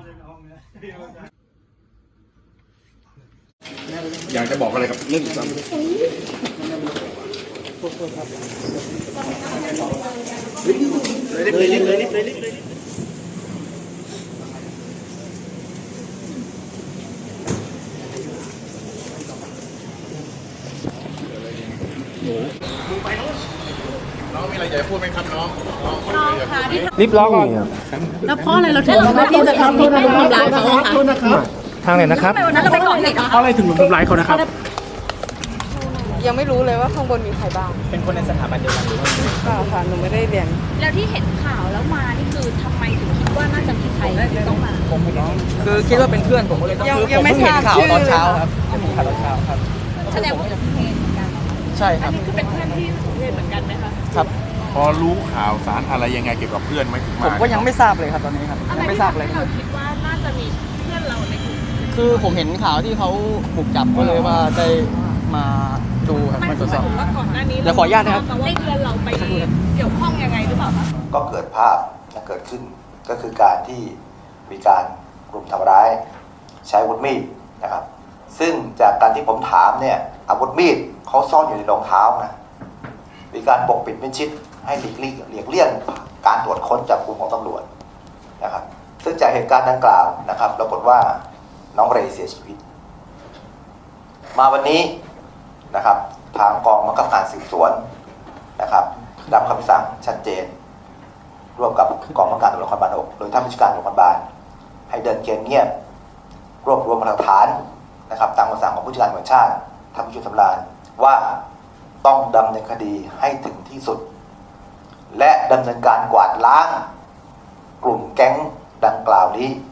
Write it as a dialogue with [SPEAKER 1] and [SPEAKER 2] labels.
[SPEAKER 1] อยากจะบอกอะไรกับเรื่องซ้ำเลยน้องมีอะไรอยากจะพูดไหมครับน้อง
[SPEAKER 2] รีบร้องก่อน
[SPEAKER 3] แล้วเพราะอะไรเราถึงที่จะทำร้ายเขาคะ
[SPEAKER 2] ทางไหนนะครับ
[SPEAKER 3] วันนั้นเราไปก่อเหตุ
[SPEAKER 2] เพราะอะไรถึงทำร้ายเขานะครับ
[SPEAKER 4] ยังไม่รู้เลยว่าข้างบนมีใครบ้าง
[SPEAKER 2] เป็นคนในสถาบันเดียวกันหรือว่า
[SPEAKER 4] เปล่าค่ะหนูไม่ได้เรียน
[SPEAKER 3] แล้วที่เห็นข่าวแล้วมานี่คือทำไมถึงคิดว่าน่าจะมีใครต้องมา
[SPEAKER 2] คือคิดว่าเป็นเพื่อนผมก็เลยต้อง
[SPEAKER 4] ยังไม่ทราบชื่อตอนเช้าครับ
[SPEAKER 2] ข่าวตอนเช้าครับ
[SPEAKER 3] แสดงว่าเป็นเพื่อนเหมือนกัน
[SPEAKER 2] ใช่ค
[SPEAKER 3] อั
[SPEAKER 2] รั
[SPEAKER 3] น
[SPEAKER 2] บ
[SPEAKER 3] นี้คือเป็นเพื่อนที่สมเพศเหมือนกันไหมคะ
[SPEAKER 2] ครับ
[SPEAKER 1] พอรู้ข่าวสารอะไรยังไงเกี่ยวกับเพื่อนไหมถึงมา
[SPEAKER 2] ผมก็ยังไม่ทราบเลยครับตอนนี้ครับยังไม่ทราบเลย
[SPEAKER 3] เราคิดว่าน่าจะมีเพื่อนเราในกลุ่ม
[SPEAKER 2] คือผมเห็นข่าวที่เขาบุกจับก็เลยว่าได้มาดูครับมาตรวจสอบ
[SPEAKER 3] ว่าก่อนหน้านี้
[SPEAKER 2] เดี๋ยวขออนุญาตนะครับ
[SPEAKER 3] ได้เพื่อนเราไปเกี่ยวข้องยังไงหรือเปล่าคะ
[SPEAKER 5] ก็เกิดภาพและเกิดขึ้นก็คือการที่มีการรุมทำร้ายใช้อาวุธมีดนะครับซึ่งจากการที่ผมถามเนี่ยอาวุธมีดเขาซ่อนอยู่ในรองเท้านะมีการปกปิดมิดชิดให้หลีกเลี่ยงการตรวจค้นจับกุมของตำรวจนะครับซึ่งจากเหตุการณ์ดังกล่าวนะครับปรากฏว่าน้องเรย์เสียชีวิตมาวันนี้นะครับทางกองบังคับการสืบสวนนะครับรับคำสั่งชัดเจนร่วมกับกองบังคับการตำรวจนครบาล 6โดยท่านผู้การตำรวจนครบาลให้เดินเกมเงียบรวบรวมหลักฐานนะครับตามคำสั่งของผู้จัดการตำรวจแห่งชาติท่านผู้ช่วยสำราญว่าต้องดำเนินคดีให้ถึงที่สุดและดำเนินการกวาดล้างกลุ่มแก๊งดังกล่าวนี้